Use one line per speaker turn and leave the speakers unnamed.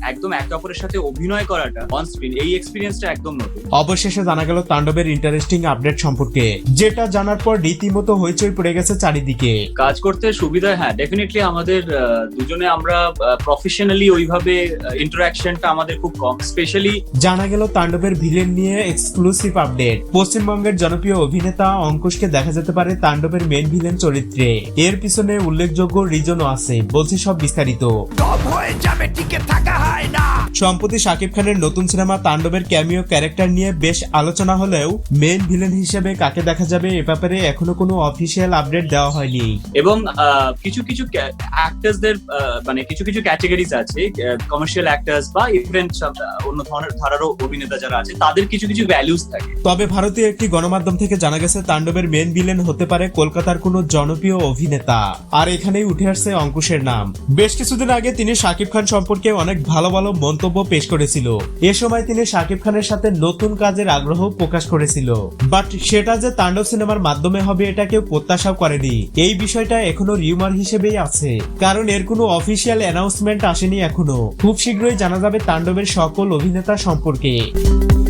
একদম একে অপরের সাথে অভিনয় করাটা অন স্ক্রিন, এই এক্সপিরিয়েন্সটা একদম নতুন।
অবশেষে জানা গেল তাণ্ডবের ইন্টারেস্টিং আপডেট সম্পর্কে, যেটা জানার পর রীতিমতো হইচই পড়ে গেছে চারিদিকে।
কাজ করতে সুবিধা, হ্যাঁ ডেফিনেটলি আমাদের দুজনে আমরা প্রফেশনালি ওইভাবে ইন্টারাকশনটা আমাদের খুব কম। স্পেশালি
জানা গেল তাণ্ডবের ভিলেন নিয়ে এক্সক্লুসিভ আপডেট। পশ্চিমবঙ্গের জনপ্রিয় অভিনেতা অঙ্কুশকে দেখা যেতে পারে তাণ্ডবের মেন ভিলেন চরিত্রে। এর পিছনে উল্লেখযোগ্য রিজনও আছে, বলছি সব বিস্তারিত। সম্প্রতি শাকিব খানের নতুন সিনেমা তাণ্ডবের ক্যামিও ক্যারেক্টার নিয়ে বেশ আলোচনা হলেও মেন ভিলেন হিসেবে কাকে দেখা যাবে এ ব্যাপারে এখনো কোনো অফিসিয়াল আপডেট দেওয়া হয়নি।
এবং কিছু কিছু অ্যাক্টার্সদের মানে কিছু কিছু ক্যাটাগরিজ আছে, কমার্শিয়াল অ্যাক্টার্স বা ইভেন অন্য ধরনের ধারারও অভিনেতা যারা আছে, তাদের কিছু কিছু ভ্যালুস থাকে।
তবে ভারতীয় একটি গণমাধ্যম থেকে জানা গেছে তাণ্ডবের মেন ভিলেন হতে পারে কলকাতার কোনো জনপ্রিয় অভিনেতা। আর এখানেই উঠে আসছে অঙ্কুশের নাম। বেশ কিছুদিন আগে তিনি শাকিব খান সম্পর্কে অনেক ভালো ভালো মন্তব্য পেশ করেছিল। এ সময় তিনি শাকিব খানের সাথে নতুন কাজের আগ্রহ প্রকাশ করেছিল, বাট সেটা যে তাণ্ডব সিনেমার মাধ্যমে হবে এটা কেউ প্রত্যাশাও করেনি। এই বিষয়টা এখনো রিউমার হিসেবেই আছে, কারণ এর কোনো অফিসিয়াল অ্যানাউন্সমেন্ট আসেনি এখনো। খুব শীঘ্রই জানা যাবে তাণ্ডবের সকল অভিনেতা সম্পর্কে।